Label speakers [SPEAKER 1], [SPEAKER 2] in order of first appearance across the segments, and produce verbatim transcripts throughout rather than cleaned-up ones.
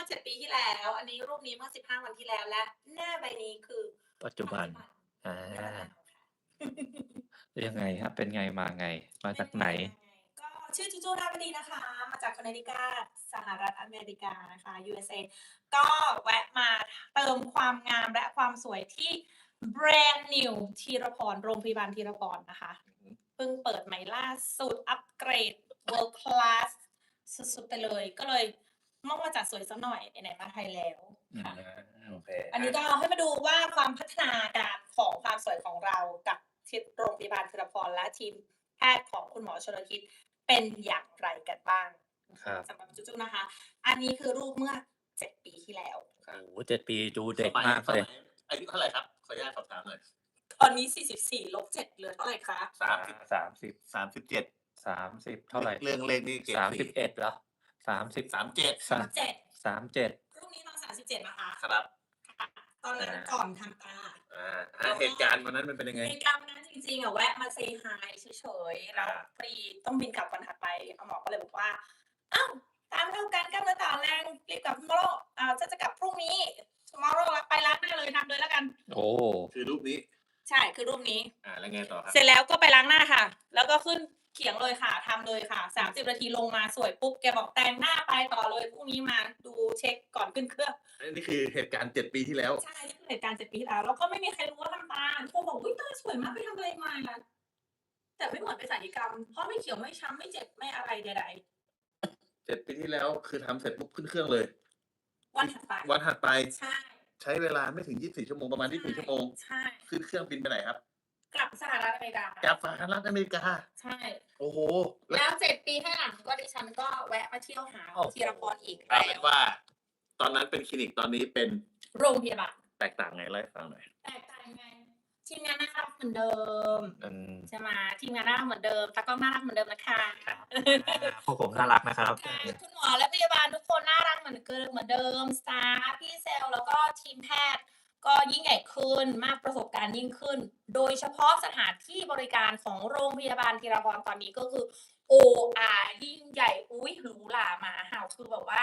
[SPEAKER 1] เจ็ดปีที่แล้ว อันนี้รูปนี้เมื่อ สิบห้า วันที่แล้ว และหน้าใบนี้คือ
[SPEAKER 2] ปัจจุบัน อา
[SPEAKER 1] ปัจจุบัน
[SPEAKER 2] ยังไงครับ เป็นไงมาไง มาจากไหน?
[SPEAKER 1] ก็ชื่อ จูจู ดาวดีนะคะ มาจาก Connecticut สหรัฐอเมริกานะคะ ยู เอส เอ ก็แวะมาเติมความงามและความสวยที่ แบรนด์นิว ธีรพร โรงพยาบาลธีรพรนะคะ เพิ่งเปิดใหม่ล่าสุด อัปเกรด World Class สุด ๆ ไปเลย ก็เลยต้องมาจัดสวยสักหน่อย ไหน ๆ มาไทยแล้ว
[SPEAKER 2] อา
[SPEAKER 1] ค่ะ
[SPEAKER 2] โอเค
[SPEAKER 1] อันนี้ก็ให้มาดูว่าความพัฒนาการของความสวยของเรากับที่โรงพยาบาลธีรพร และทีมแพทย์ของคุณหมอชลทิศเป็นอย่างไรกันบ้าง
[SPEAKER 2] ครับ
[SPEAKER 1] สำหรับจูจูนะคะ อันนี้คือรูปเมื่อ เจ็ด ปีที่แล้ว
[SPEAKER 2] โอ้โฮ เจ็ด ปีดูเด็ก
[SPEAKER 3] สมัย
[SPEAKER 2] มากเลย
[SPEAKER 3] สมัยอายุเท่าไรครับ? ขออนุญาตสอบถามหน่อย
[SPEAKER 1] ตอนนี้ สี่สิบสี่ ลบ เจ็ด เหลือเท่าไรคะ?
[SPEAKER 3] สามสิบ
[SPEAKER 2] สามสิบ
[SPEAKER 3] สามสิบเจ็ด
[SPEAKER 2] สามสิบ เท่าไร?
[SPEAKER 3] เรื่องเลขนี่เกรด
[SPEAKER 2] สามสิ
[SPEAKER 3] สี่
[SPEAKER 2] บเอ็ด เหรอ? สามสิบ
[SPEAKER 3] สามเจ็ด
[SPEAKER 2] สาม
[SPEAKER 1] เจ็ด
[SPEAKER 2] สามเจ็ด
[SPEAKER 1] รูปนี้ตอน สามสิบเจ็ด นะคะ
[SPEAKER 3] ครับ
[SPEAKER 1] ค่ะ ตอนนั้น
[SPEAKER 2] อา
[SPEAKER 1] ก่อนทำตา
[SPEAKER 3] อา อา เหตุการณ์วันนั้นมันเป็นยังไง?
[SPEAKER 1] เหตุการณ์วันนั้นจริง ๆ อะ แวะมา Say hi เฉย ๆ แล้ว
[SPEAKER 3] อา
[SPEAKER 1] พอดีต้องบินกลับวันถัดไป คุณหมอก็เลยบอกว่า "อ้าว ตามเท่ากัน กล้ามเนื้อต่อแรง รีบกลับ tomorrow อ่า ฉันจะกลับพรุ่งนี้ tomorrow แล้วไปล้างหน้าเลย ทำเลยแล้วกัน"
[SPEAKER 2] โอ้
[SPEAKER 3] คือรูปนี้
[SPEAKER 1] ใช่ คือรูปนี้
[SPEAKER 3] อา แล้วไงต่อครับ?
[SPEAKER 1] เสร็จแล้วก็ไปล้างหน้าค่ะ แล้วก็ขึ้นเขียงเลยค่ะ ทำเลยค่ะ สามสิบ นาทีลงมาสวยปุ๊บ แกบอกแต่งหน้าไปต่อเลย พรุ่งนี้มาดูเช็กก่อนขึ้นเครื่อง
[SPEAKER 3] อันนี้คือเหตุการณ์ เจ็ด ปีที่แล้ว
[SPEAKER 1] ใช่ นี่คือเหตุการณ์ เจ็ด ปีที่แล้ว แล้วก็ไม่มีใครรู้ว่าทำตา ทุกคนบอก "อุ๊ย ตาสวยมาก ไปทำอะไรมา?" แต่ไม่เหมือนไปศัลยกรรม เพราะไม่เขียว ไม่ช้ำ ไม่เจ็บ ไม่อะไรใด ๆ
[SPEAKER 3] เจ็ด ปีที่แล้ว คือทำเสร็จปุ๊บขึ้นเครื่องเลย
[SPEAKER 1] วันถัดไป
[SPEAKER 3] วันถัดไป
[SPEAKER 1] ใช่
[SPEAKER 3] ใช้เวลาไม่ถึง ยี่สิบสี่ ชั่วโมง ประมาณ ยี่สิบสี่ ชั่วโมง
[SPEAKER 1] ใช่
[SPEAKER 3] ขึ้นเครื่องบินไปไหนครับ?
[SPEAKER 1] กลับสหรัฐอเมริกา
[SPEAKER 3] กลับสหรัฐอเมริกา
[SPEAKER 1] ใช่
[SPEAKER 3] โอ้โฮ แ
[SPEAKER 1] แ
[SPEAKER 3] ล้
[SPEAKER 1] ล้ว ว เจ็ด ปีให้หลัง ก็ดิฉันก็แวะมาเที่ยวหา
[SPEAKER 3] โอ้โฮ
[SPEAKER 1] ธีรพรอีก
[SPEAKER 3] กลา
[SPEAKER 1] แล
[SPEAKER 3] ยเป็
[SPEAKER 1] ้
[SPEAKER 3] น
[SPEAKER 1] ว
[SPEAKER 3] ว่า ตอนนั้นเป็นคลินิก ตอนนี้เป็น
[SPEAKER 1] โรงพยาบาล
[SPEAKER 3] แตกต่างไง? เล่าให้ฟังหน่อย
[SPEAKER 1] แตกต่างยังไง? ทีมงานน่ารักเหมือนเดิม
[SPEAKER 2] อืม
[SPEAKER 1] ใช่ไหม ทีมงานน่ารักเหมือนเดิม ตากล้องน่ารักเหมือนเดิมนะคะ
[SPEAKER 2] ครับ อา พวกผมน่ารักนะครับ
[SPEAKER 1] ค่ะ คุณหมอและพยาบาลทุกคนน่ารักเหมือนเกิม เหมือนเดิม สตาฟ พี่เซลส์ แล้วก็ทีมแพทย์ก็ยิ่งใหญ่ขึ้น มากประสบการณ์ยิ่งขึ้น โดยเฉพาะสถานที่บริการของโรงพยาบาลธีรพรตอนนี้ก็คือ โอ อาร์ ยิ่งใหญ่ อุ๊ย หรูหราหมาเห่า คือแบบว่า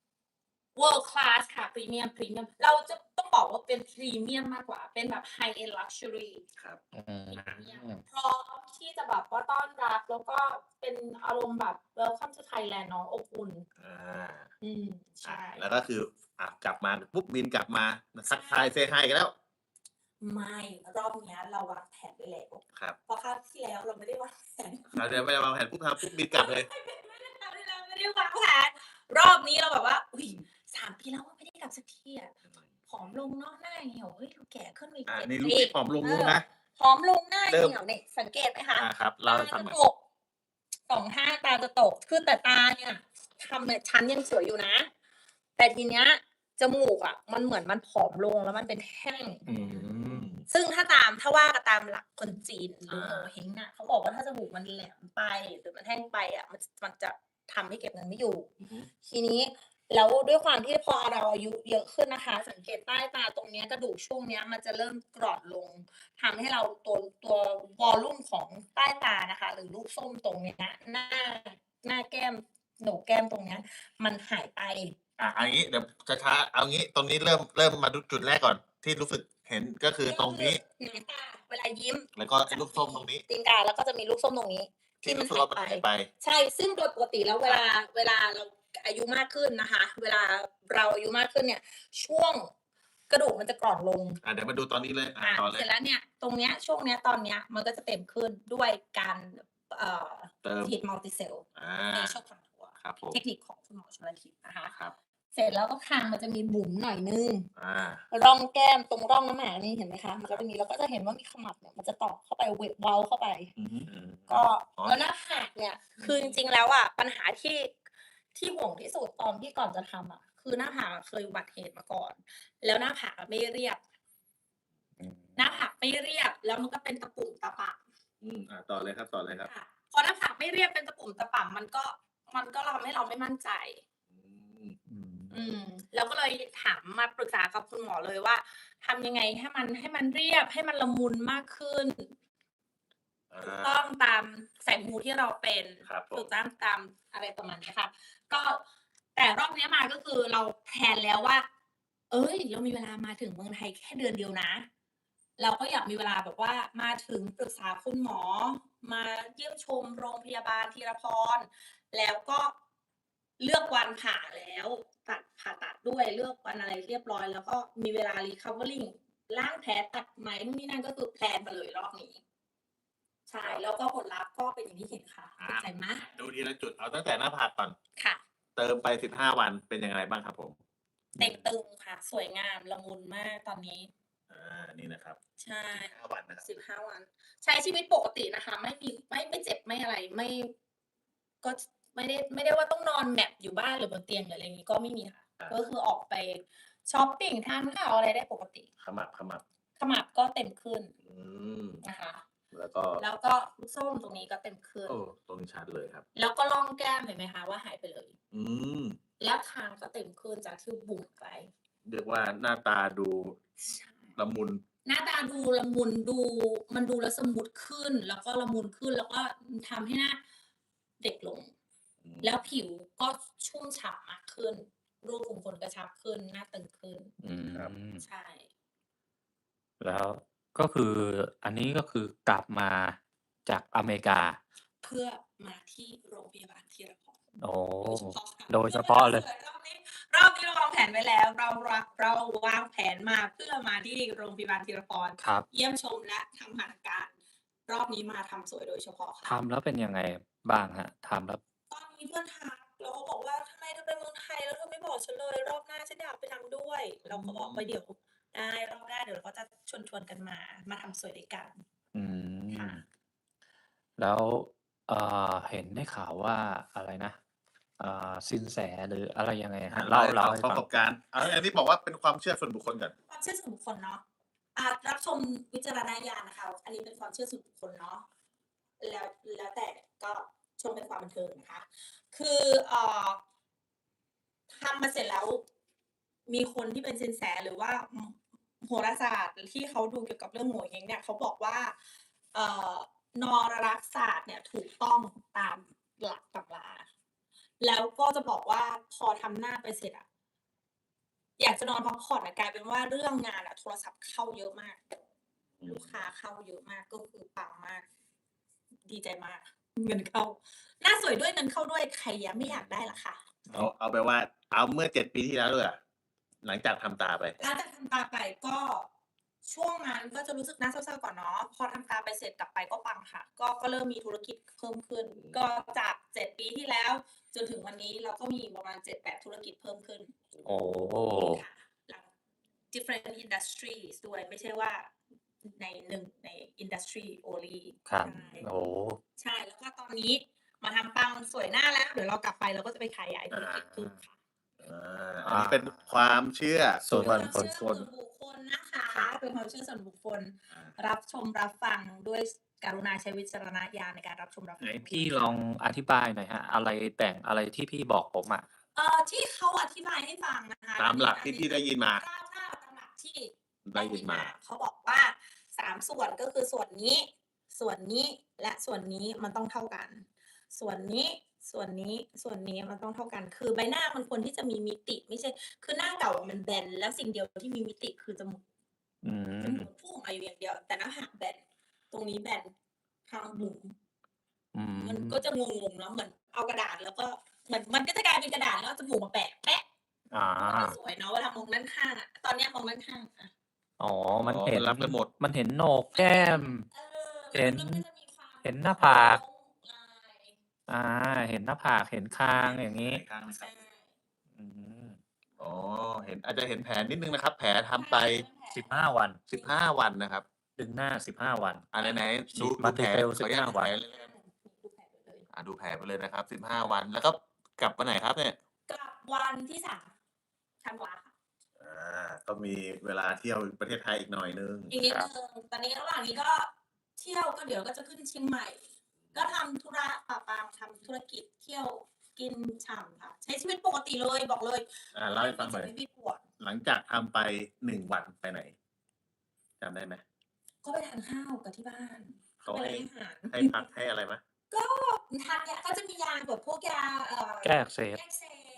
[SPEAKER 1] World Class ค่ะ พรีเมียม พรีเมียม เราจะต้องบอกว่าเป็นพรีเมียมมากกว่า เป็นแบบ High End Luxury
[SPEAKER 3] ครับ
[SPEAKER 2] อืม
[SPEAKER 1] พร้อมที่จะแบบว่าต้อนรับ แล้วก็เป็นอารมณ์แบบ Welcome to Thailand เนาะ อบอุ่น
[SPEAKER 3] อา
[SPEAKER 1] อืม ใช
[SPEAKER 3] อา
[SPEAKER 1] ่
[SPEAKER 3] แล้วก็คือ อ่า กลับมาปุ๊บ บินกลับมา มาทักทาย
[SPEAKER 1] ใช่
[SPEAKER 3] Say hi กันแล้ว
[SPEAKER 1] ไม่ รอบเนี้ยเราวางแผนไว้แล้ว
[SPEAKER 3] ครับ
[SPEAKER 1] เพราะคราวที่แล้วเราไม่ได้วางแผน
[SPEAKER 3] คราวที่แล้วไม่ได้วางแผน ปุ๊บ ทำปุ๊บ บินกลับเลย
[SPEAKER 1] ไม่ได้ คราวที่แล้วไม่ได้วางแผน รอบนี้เราแบบว่า อุ๊ย สาม ปีแล้วไม่ได้กลับสักทีอะ ผอมลงเนาะ หน้าเหี่ยว เฮ้ย เราแก่ขึ้นมาอีก
[SPEAKER 3] อา
[SPEAKER 1] เจ็ด
[SPEAKER 3] นี่รูป
[SPEAKER 1] ปี
[SPEAKER 3] ที่ผอมลง
[SPEAKER 1] เอ
[SPEAKER 3] รู้
[SPEAKER 1] อ
[SPEAKER 3] นะ
[SPEAKER 1] ผอมลง หน้า
[SPEAKER 3] เริ่ม
[SPEAKER 1] เหี่ยวนี่ สังเกตไหมคะ?
[SPEAKER 3] อา ครับ เล่าให้ฟังหน่อย
[SPEAKER 1] ตาจะตก สอง ข้างตาจะตก คือแต่ตาเนี่ยทำเนี่ยชั้นยังสวยอยู่นะ แต่ทีเนี้ยจมูกอะมันเหมือนมันผอมลง แล้วมันเป็นแท่ง
[SPEAKER 2] อืม
[SPEAKER 1] ซึ่งถ้าตาม ถ้าว่ากันตามหลักคนจีนหรือ
[SPEAKER 3] อา
[SPEAKER 1] โงเห้งอะ เขาบอกว่าถ้าจมูกมันแหลมไป หรือมันแท่งไปอะ มัน มันจะทำให้เก็บเงินไม่อยู่
[SPEAKER 3] อือฮึ
[SPEAKER 1] ทีนี้แล้วด้วยความที่พอเราอายุเยอะขึ้นนะคะ สังเกตใต้ตาตรงเนี้ย กระดูกช่วงเนี้ยมันจะเริ่มกร่อนลง ทำให้เราตัว ตัววอลลุ่มของใต้ตานะคะ หรือลูกส้มตรงเนี้ย หน้า หน้าแก้ม โหนกแก้มตรงเนี้ย มันหายไป
[SPEAKER 3] อา เอางี้ เดี๋ยวช้า ๆ เอางี้ ตรงนี้เริ่ม เริ่มมาดูจุดแรกก่อน ที่รู้สึกเห็น ก็คือตรงนี้
[SPEAKER 1] หางตาเวลายิ้ม
[SPEAKER 3] แล้วก็ไอ้ลูกส้มตรงนี้
[SPEAKER 1] ตีนกา แล้วก็จะมีลูกส้มตรงนี้
[SPEAKER 3] ที
[SPEAKER 1] ที่
[SPEAKER 3] ่
[SPEAKER 1] มั
[SPEAKER 3] รู้
[SPEAKER 1] น
[SPEAKER 3] สึก
[SPEAKER 1] หา
[SPEAKER 3] ว่าย มัน
[SPEAKER 1] ไป
[SPEAKER 3] หายไป
[SPEAKER 1] ใช่ ซึ่งโดยปกติแล้วเวลา เวลาเราอายุมากขึ้นนะคะ เวลาเราอายุมากขึ้นเนี่ย ช่วงกระดูกมันจะกร่อนลง
[SPEAKER 3] อ่า เดี๋ยวมาดูตอนนี้เลย อ่า
[SPEAKER 1] อา
[SPEAKER 3] ต่อเล
[SPEAKER 1] เสร็
[SPEAKER 3] ย
[SPEAKER 1] จแล้วเนี่ย ตรงเนี้ย ช่วงเนี้ย ตอนเนี้ย มันก็จะเต็มขึ้นด้วยการ เอ่อ
[SPEAKER 3] เติม
[SPEAKER 1] ฉีด Multicell
[SPEAKER 3] อา
[SPEAKER 1] Facial Contour
[SPEAKER 3] ครับผม
[SPEAKER 1] เทคนิคของคุณหมอชลทิศนะคะ
[SPEAKER 3] ครับ
[SPEAKER 1] เสร็จแล้วก็คางมันจะมีบุ๋มหน่อยหนึ่ง
[SPEAKER 3] อา
[SPEAKER 1] ร่องแก้ม ตรงร่องน้ำหมากนี่เห็นไหมคะ? มันก็จะมี เราก็จะเห็นว่ามีขมับเนี่ย มันจะตอกเข้าไป เว เว้าเข้าไป
[SPEAKER 3] อือฮึ อืม
[SPEAKER 1] ก็
[SPEAKER 3] อ๋อ
[SPEAKER 1] แล้วหน้าผากเนี่ย คือจริง ๆ แล้วอะปัญหาที่ ที่ห่วงที่สุดตอนที่ก่อนจะทำอะ คือหน้าผากอะเคยอุบัติเหตุมาก่อน แล้วหน้าผากอะไม่เรียบ
[SPEAKER 2] อืม
[SPEAKER 1] หน้าผากไม่เรียบ แล้วมันก็เป็นตะปุ่มตะป่ำ
[SPEAKER 3] อืม อ่า ต่อเลยครับ ต่อเลยครับ
[SPEAKER 1] ค่ะ พอหน้าผากไม่เรียบเป็นตะปุ่มตะป่ำ มันก็ มันก็ทำให้เราไม่มั่นใจ
[SPEAKER 3] อืม
[SPEAKER 2] อืม
[SPEAKER 1] อืม เราก็เลยถาม มาปรึกษากับคุณหมอเลยว่า ทำยังไงให้มัน ให้มันเรียบ ให้มันละมุนมากขึ้น
[SPEAKER 3] อา
[SPEAKER 1] ถูกต้องตามสายมูที่เราเป็น
[SPEAKER 3] ครับผ
[SPEAKER 1] ถู
[SPEAKER 3] ม
[SPEAKER 1] กต้องตามอะไรประมาณเนี้ยค่ะ ก็แต่รอบเนี้ยมาก็คือเราแพลนแล้วว่า เอ้ย เรามีเวลามาถึงเมืองไทยแค่เดือนเดียวนะ เราก็อยากมีเวลาแบบว่ามาถึงปรึกษาคุณหมอ มาเยี่ยมชมโรงพยาบาลธีรพร แล้วก็เลือกวันผ่าแล้ว ตัด ผ่าตัดด้วย เลือกวันอะไรเรียบร้อย แล้วก็มีเวลา recovering ล้างแผล ตัดไหม นู่นนี่นั่น ก็คือแพลนมาเลยรอบนี้ ใช่ แล้วก็ผลลัพธ์ก็เป็นอย่างที่เห็นค่ะ
[SPEAKER 3] อ่า
[SPEAKER 1] ภูมิใจมาก
[SPEAKER 3] ดูทีละจุด เอาตั้งแต่หน้าผากก่อน
[SPEAKER 1] ค่ะ
[SPEAKER 3] เติมไป สิบห้า วันเป็นยังไงบ้างครับผม?
[SPEAKER 1] เต่งตึงค่ะ สวยงาม ละมุนมากตอนนี้
[SPEAKER 3] อา นี่นะครับ
[SPEAKER 1] ใช่
[SPEAKER 3] สิบห้า วันนะครับ
[SPEAKER 1] สิบห้า วัน ใช้ชีวิตปกตินะคะ ไม่มี ไม่ ไม่เจ็บ ไม่อะไร ไม่ ก็ ไม่ได้ ไม่ได้ว่าต้องนอนแมปอยู่บ้านหรือบนเตียง หรืออะไรงี้ ก็ไม่มีค่ะ
[SPEAKER 3] อา
[SPEAKER 1] ก็คือออกไปชอปปิง ทานข้าวอะไรได้ปกติ
[SPEAKER 3] ขมับ ขมับ
[SPEAKER 1] ขมับก็เต็มขึ้น
[SPEAKER 3] อืม
[SPEAKER 1] นะคะ
[SPEAKER 3] แล้วก็
[SPEAKER 1] แล้วก็ลูกส้มตรงนี้ก็เต็มขึ้น
[SPEAKER 3] โอ้ ตรงนี้ชัดเลยครับ
[SPEAKER 1] แล้วก็ร่องแก้มเห็นไหมคะว่าหายไปเลย
[SPEAKER 3] อืม
[SPEAKER 1] แล้วคางก็เต็มขึ้นจากที่บุ๋มไป
[SPEAKER 3] เรียกว่าหน้าตาดู
[SPEAKER 1] ใช่
[SPEAKER 3] ละมุน
[SPEAKER 1] หน้าตาดูละมุน ดู มันดูแล้วสมูทขึ้น แล้วก็ละมุนขึ้น แล้วก็ อืม ทำให้หน้าเด็กลง
[SPEAKER 3] อืม
[SPEAKER 1] แล้วผิวก็ชุ่มฉ่ำมากขึ้น รูขุมขนกระชับขึ้น หน้าตึงขึ้น
[SPEAKER 2] อืม
[SPEAKER 3] ครับ
[SPEAKER 1] ใช่
[SPEAKER 2] แล้วก็คืออันนี้ก็คือกลับมาจากอเมริกา
[SPEAKER 1] เพื่อมาที่โรงพยาบาลธีรพร
[SPEAKER 2] โอ้
[SPEAKER 1] โดยเฉพาะค่ะ
[SPEAKER 2] โดยเฉพาะเลย
[SPEAKER 1] รอบนี้ รอบนี้เราวางแผนไว้แล้ว เราวาง เราวางแผนมาเพื่อมาที่โรงพยาบาลธีรพร
[SPEAKER 2] ครับ
[SPEAKER 1] เยี่ยมชมและทำหัตถการ รอบนี้มาทำสวยโดยเฉพาะค่ะ
[SPEAKER 2] ทำแล้วเป็นยังไงบ้างครับ? ทำแล้ว
[SPEAKER 1] ตอนนี้เพื่อนทัก แล้วเขาบอกว่า "ทำไมเธอไปเมืองไทยแล้วเธอไม่บอกฉันเลย รอบหน้าฉันอยากไปทำด้วย" เราก็บอกว่า "เดี๋ยวได้ รอบหน้าเดี๋ยวเราก็จะชวน ๆ กันมา มาทำสวยด้วยกัน"
[SPEAKER 2] อื
[SPEAKER 1] ค่ะ
[SPEAKER 2] ม แล้ว เอ่อ เห็นได้ข่าวว่าอะไรนะ อ่า สินแสหรืออะไรยังไงค
[SPEAKER 3] อา
[SPEAKER 2] รับ?
[SPEAKER 3] เล่า
[SPEAKER 2] เล่า
[SPEAKER 3] ให้
[SPEAKER 2] เล่า
[SPEAKER 3] ฟัง
[SPEAKER 2] ให้
[SPEAKER 3] ประส
[SPEAKER 2] ฟัง
[SPEAKER 3] บการณ์ อา อันนี้บอกว่าเป็นความเชื่อส่วนบุคคลก่อน
[SPEAKER 1] ความเชื่อส่วนบุคคลเนาะ อ่า รับชมวิจารณญาณนะคะ อันนี้เป็นความเชื่อส่วนบุคคลเนาะ แล้ว แล้วแต่ ก็ชมเป็นความบันเทิงนะคะ คือ เอ่อ ทำมาเสร็จแล้ว มีคนที่เป็นสินแส หรือว่า อืม โหราศาสตร์ที่เขาดูเกี่ยวกับเรื่องโหงเห้งเนี่ย เขาบอกว่า เอ่อ นรศาสตร์เนี่ยถูกต้องตามหลักตำรา แล้วก็จะบอกว่าพอทำหน้าไปเสร็จอะ อยากจะนอนพักผ่อนอะ กลายเป็นว่าเรื่องงานอะโทรศัพท์เข้าเยอะมาก
[SPEAKER 3] อื
[SPEAKER 1] ลู
[SPEAKER 3] ม
[SPEAKER 1] กค้าเข้าเยอะมาก ก็คือปังมาก ดีใจมาก เงินเข้า หน้าสวยด้วยเงินเข้าด้วย ใครอะไม่อยากได้ล่ะคะ
[SPEAKER 3] เอา เอาแบบว่า เอาเมื่อ เจ็ด ปีที่แล้วดีกว่า หลังจากทำตาไป
[SPEAKER 1] หลังจากทำตาไปก็ ช่วงนั้นก็จะรู้สึกน่าเศร้า ๆ ก่อนเนาะ พอทำตาไปเสร็จกลับไปก็ปังค่ะ ก็ ก็เริ่มมีธุรกิจเพิ่มขึ้น ก็จาก เจ็ด ปีที่แล้ว จนถึงวันนี้เราก็มีประมาณ เจ็ดแปด ธุรกิจเพิ่มขึ้น
[SPEAKER 2] โอ้
[SPEAKER 1] ค่ะ หลัง different industries ด้วย ไม่ใช่ว่าในหนึ่ง ใน industry only
[SPEAKER 2] ครับ
[SPEAKER 1] ใช่
[SPEAKER 2] โอ้
[SPEAKER 1] ใช่ แล้วก็ตอนนี้มาทำปังสวยหน้าแล้ว เดี๋ยวเรากลับไปเราก็จะไปขยายธุรกิจเพิ่มค่ะ
[SPEAKER 3] อา อันนี้เป็นความเชื่อส่วน
[SPEAKER 2] ส่
[SPEAKER 1] เป็
[SPEAKER 2] วน น
[SPEAKER 1] ความ
[SPEAKER 2] บุ
[SPEAKER 1] เชื่อ
[SPEAKER 2] คค
[SPEAKER 1] ส่
[SPEAKER 2] ล
[SPEAKER 1] วนบุคคลนะคะ
[SPEAKER 3] ครับ
[SPEAKER 1] เป็นความเชื่อส่วนบุคคล
[SPEAKER 3] อา
[SPEAKER 1] รับชมรับฟังด้วย กรุณาใช้วิจารณญาณในการรับชมรับ
[SPEAKER 2] ไหน
[SPEAKER 1] ฟัง
[SPEAKER 2] พี่ลองอธิบายหน่อยครับ อะไรแต่ง อะไรที่พี่บอกผมอะ?
[SPEAKER 1] เอ่อ ที่เขาอธิบายให้ฟังนะคะ
[SPEAKER 3] ตามหลักที่พี่ได้ยินมา
[SPEAKER 1] ถ้า ถ้าตามหลักที่
[SPEAKER 3] ได้ยินมา
[SPEAKER 1] เขาบอกว่า สาม ส่วน ก็คือส่วนนี้ ส่วนนี้ และส่วนนี้มันต้องเท่ากัน ส่วนนี้ ส่วนนี้ ส่วนนี้มันต้องเท่ากัน คือใบหน้ามันควรที่จะมีมิติ ไม่ใช่ คือหน้าเก่าอะมันแบน แล้วสิ่งเดียวที่มีมิติคือจมูก
[SPEAKER 2] อื
[SPEAKER 1] จมู
[SPEAKER 2] ม
[SPEAKER 1] กพุ่งออกมาอยู่อย่างเดียว แต่หน้าผากแบน ตรงนี้แบน คางบุ๋ม
[SPEAKER 2] อื
[SPEAKER 1] มัน
[SPEAKER 2] ม
[SPEAKER 1] ก็จะงง ๆ เนาะ เหมือนเอากระดาษแล้วก็ เหมือน มันก็จะกลายเป็นกระดาษแล้วเอาจมูกมาแปะ แปะ
[SPEAKER 2] อา
[SPEAKER 1] มันก็ไม่สวยเนาะ เวลามองด้านข้างอะ ตอนเนี้ยมองด้านข้างอะ
[SPEAKER 2] อ๋อ มัน
[SPEAKER 3] อ๋อ
[SPEAKER 2] เห็
[SPEAKER 3] มัน นรับได้หมด
[SPEAKER 2] มันเห็นโหนก
[SPEAKER 1] มัน
[SPEAKER 2] แก้
[SPEAKER 1] เห็น
[SPEAKER 2] ม
[SPEAKER 1] เออ
[SPEAKER 2] เห็น
[SPEAKER 1] แล้วมันก็จะมีความ
[SPEAKER 2] เห็นหน้าผาก
[SPEAKER 1] โค้ง ลาย
[SPEAKER 2] อา เห็นหน้าผาก เห็นคางอย่างงี้
[SPEAKER 3] ข้างนะค
[SPEAKER 1] ใช
[SPEAKER 3] รับ
[SPEAKER 1] ่
[SPEAKER 2] อืม
[SPEAKER 3] อ๋อ เห็น อาจจะเห็นแผลนิดหนึ่งนะครับ แผลทำไป
[SPEAKER 2] สิบห้า วัน
[SPEAKER 3] สิบห้า วันนะครับ
[SPEAKER 2] ดึงหน้า สิบห้า วัน
[SPEAKER 3] อ่า ไหน ๆ
[SPEAKER 2] ฉ
[SPEAKER 3] ดู
[SPEAKER 2] ีด
[SPEAKER 3] ดูแผล
[SPEAKER 2] Multi-Cell
[SPEAKER 3] ขออนุญาต
[SPEAKER 2] สิบห้า
[SPEAKER 3] ดู
[SPEAKER 2] วั
[SPEAKER 3] แผ
[SPEAKER 2] น
[SPEAKER 3] ลเลยนะครับ
[SPEAKER 1] ดูแผลไปเลย
[SPEAKER 3] อ่า ดูแผลไปเลยนะครับ สิบห้า วัน แล้วก็กลับวันไหนครับเนี่ย?
[SPEAKER 1] กลับวันที่ สาม ธันวาค่ะ
[SPEAKER 3] อา ก็มีเวลาเที่ยวประเทศไทยอีกหน่อยหนึ่ง
[SPEAKER 1] อีกนิด
[SPEAKER 2] ครับ
[SPEAKER 1] หนึ่ง ตอนนี้ระหว่างนี้ก็เที่ยว ก็เดี๋ยวก็จะขึ้นเชียงใหม่ ก็ทำธุระปะปัง ทำธุรกิจ เที่ยว กินฉ่ำค่ะ ใช้ชีวิตปกติเลย บอกเลย
[SPEAKER 3] อ่า เล่าให้ฟังหน่อย
[SPEAKER 1] ไม่มีเจ็บไม่มีปวด
[SPEAKER 3] หลังจากทำไป หนึ่ง วันไปไหน? จำได้ไหม?
[SPEAKER 1] ก็ไปทานข้าวกับที่บ้าน
[SPEAKER 3] เขา
[SPEAKER 1] ไป
[SPEAKER 3] ให้
[SPEAKER 1] ร้านอาหาร
[SPEAKER 3] ให้พัก ให้อะไรไหม?
[SPEAKER 1] ก็ทานยา ก็จะมียาแบบพวกยา เอ่อ
[SPEAKER 2] แก้อักเสบ
[SPEAKER 1] แก้อักเสบ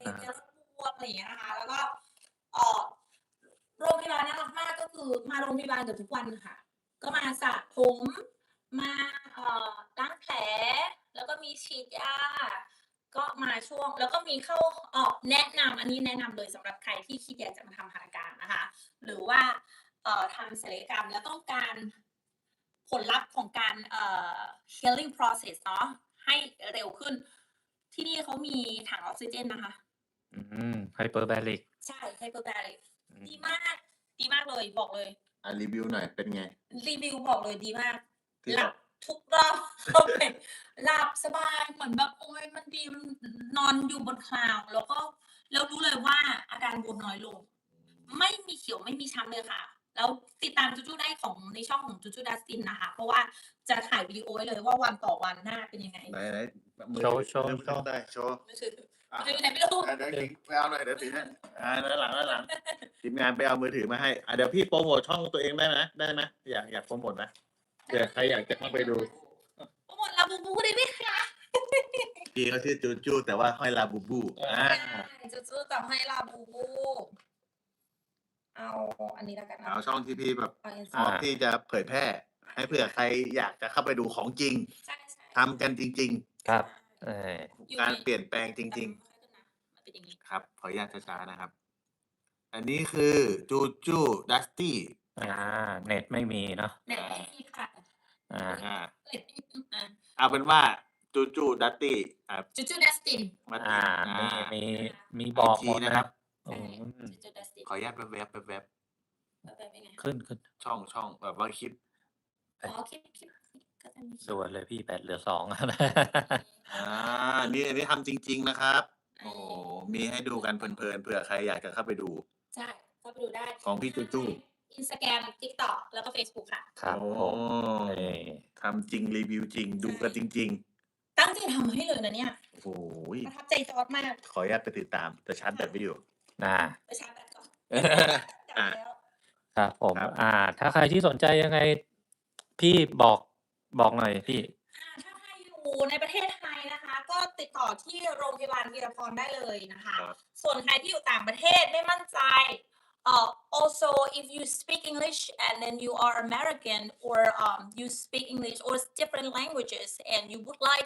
[SPEAKER 2] อ่า
[SPEAKER 1] เจลบวมอะไรอย่างเงี้ยนะคะ แล้วก็เอ่อโรงพยาบาลน่ารักมากก็คือมาโรงพยาบาลเกือบทุกวันค่ะ ก็มาสระผมมาเอ่อล้างแผล แล้วก็มีฉีดยา ก็มาช่วงแล้วก็มีเข้าเอ่อแนะนำอันนี้แนะนำเลยสำหรับใครที่คิดอยากจะมาทำหัตถการนะคะ หรือว่าเอ่อทำศัลยกรรมแล้วต้องการผลลัพธ์ของการเอ่อ healing process เนาะให้เร็วขึ้น ที่นี่เขามีถังออกซิเจนนะคะ
[SPEAKER 2] อืม Hyperbaric
[SPEAKER 1] ใช่ Hyperbaric
[SPEAKER 2] อืม
[SPEAKER 1] ดีมาก ดีมากเลยบอกเลย
[SPEAKER 3] อ่ะรีวิวหน่อยเป็นไง?
[SPEAKER 1] รีวิวบอกเลยดีมาก
[SPEAKER 3] ที่
[SPEAKER 1] หลั
[SPEAKER 3] เขา
[SPEAKER 1] บทุกรอบ เข้าไป หลับสบายเหมือนแบบ โอ๊ย มันดี มัน นอนอยู่บนคลาวด์ แล้วก็ แล้วรู้เลยว่าอาการบวมน้อยลง ไม่มีเขียวไม่มีช้ำเลยค่ะ แล้วติดตามจูจูได้ของในช่องของจูจูดัสตินนะคะ เพราะว่าจะถ่ายวิดีโอไว้เลยว่าวันต่อวันหน้าเป็นยังไง
[SPEAKER 3] ไหน ๆ มือ
[SPEAKER 2] โชว์
[SPEAKER 3] ถือ
[SPEAKER 2] โชว์
[SPEAKER 3] มือ
[SPEAKER 2] โช
[SPEAKER 3] ถือ
[SPEAKER 2] ว์
[SPEAKER 3] ได้ โชว์
[SPEAKER 1] มือถือ
[SPEAKER 3] อ่ะ
[SPEAKER 1] มือถืออยู่ไหนไม่รู้
[SPEAKER 3] อ่ะเดี๋ยวคิงไปเอาหน่อย เดี๋ยวถือให้ อ่า ด้านหลัง ด้านหลัง ทีมงานไปเอามือถือมาให้ อ่ะ เดี๋ยวพี่โพรโมตช่องตัวเองได้ไหม ได้ไหม อยาก อยากโพรโมตไหม เผื่อใครอยากจะเข้าไปดู
[SPEAKER 1] โปรโมท Labubu ได้ไหมคะ?
[SPEAKER 3] พี่เขาชื่อจูจู แต่ว่าห้อย Labubu อา
[SPEAKER 1] ใช่ จูจูแต่ให้ Labubu เอาอันนี้แล้วกัน
[SPEAKER 3] เอาช่องที่พี่แบบ
[SPEAKER 1] เอา
[SPEAKER 3] พร้อม
[SPEAKER 1] Instagram
[SPEAKER 3] ที่จะเผยแพร่ ให้เผื่อใครอยากจะเข้าไปดูของจริง
[SPEAKER 1] ใช่
[SPEAKER 3] ทำกันจริง
[SPEAKER 2] ครับ เออ
[SPEAKER 3] ๆ การเปลี่ยนแปลงจริง
[SPEAKER 1] ๆ มันเป็นอย่างงี้
[SPEAKER 3] ๆ ครับ ขออนุญาตช้า ๆ นะครับ อันนี้คือจูจูดัสตี้
[SPEAKER 2] อา เน็ตไม่มีเนาะ
[SPEAKER 1] เน็ตไม่มีค่ะ
[SPEAKER 2] อา
[SPEAKER 3] อา
[SPEAKER 1] เน็ต อา
[SPEAKER 3] เอาเป็นว่าจูจูดัสตี้ อ่า
[SPEAKER 1] จูจูดัสติน
[SPEAKER 3] มา
[SPEAKER 2] อา
[SPEAKER 3] อา
[SPEAKER 2] มี มี มี
[SPEAKER 3] ไอบ
[SPEAKER 2] อก
[SPEAKER 3] จี
[SPEAKER 2] หมด
[SPEAKER 3] นะ
[SPEAKER 2] นะ
[SPEAKER 3] ค
[SPEAKER 2] ค
[SPEAKER 3] รั
[SPEAKER 2] รับ บ
[SPEAKER 1] ใช่
[SPEAKER 2] อืม
[SPEAKER 1] จูจูดัสติน
[SPEAKER 3] ขออนุญาตแว็บ ๆ แว็บ
[SPEAKER 1] แว็บ ๆ เป็นไง?
[SPEAKER 2] ขึ้น ขึ้น
[SPEAKER 3] ๆ ช่อง ช่อง แบบว่าคลิป
[SPEAKER 1] อ๋อ คลิป คลิป ก็จะมีคลิป
[SPEAKER 2] ด่วนเลยพี่ แบตเหลือ สอง
[SPEAKER 3] อา นี่ อันนี้ทำจริง ๆ นะครับ
[SPEAKER 1] เอ
[SPEAKER 3] โอ้โฮ
[SPEAKER 1] อ
[SPEAKER 3] มีให้ดูกันเพลิน ๆ เผื่อใครอยากจะเข้าไปดู
[SPEAKER 1] ใช่ เข้าไปดูได้
[SPEAKER 3] ของพี่จูจู
[SPEAKER 1] Instagram TikTok แล้วก็เฟซบุ๊กค่ะ
[SPEAKER 2] ครับ
[SPEAKER 3] โอ้
[SPEAKER 2] ผม นี่
[SPEAKER 3] ทำจริง รีวิวจริง ดู
[SPEAKER 1] ใช่
[SPEAKER 3] กันจริง ๆ
[SPEAKER 1] ตั้งใจทำให้เลยนะเนี่ย
[SPEAKER 3] โอ้โฮ
[SPEAKER 1] ประทับใจจอร์จมาก
[SPEAKER 3] ขออนุญาตไปติดตาม แต่ชาร์จแบตไม่อยู่
[SPEAKER 2] อา
[SPEAKER 1] ไปชาร์จแบตก่อน จัด
[SPEAKER 3] อา
[SPEAKER 1] แล้ว
[SPEAKER 2] ครับผม
[SPEAKER 3] ครับ
[SPEAKER 2] อ่า ถ้าใครที่สนใจยังไง พี่บอก บอกหน่อยพี่
[SPEAKER 1] อ่า ถ้าใครอยู่ในประเทศไทยนะคะ ก็ติดต่อที่โรงพยาบาลวีรพรได้เลยนะคะ
[SPEAKER 3] ครับ
[SPEAKER 1] ส่วนใครที่อยู่ต่างประเทศไม่มั่นใจ เอ่อ also if you speak English and then you are American or um you speak English or different languages and you would like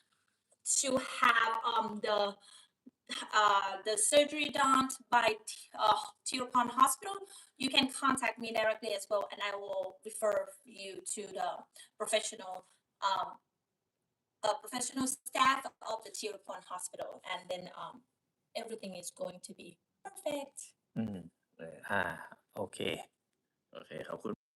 [SPEAKER 1] to have um the uh the surgery done by T uh Tirupon Hospital, you can contact me directly as well, and I will refer you to the professional um uh professional staff of the Tirupon Hospital, and then um everything is going to be perfect.
[SPEAKER 2] อืม
[SPEAKER 3] เออ
[SPEAKER 2] อา โอเค
[SPEAKER 3] โอเค ขอบคุณ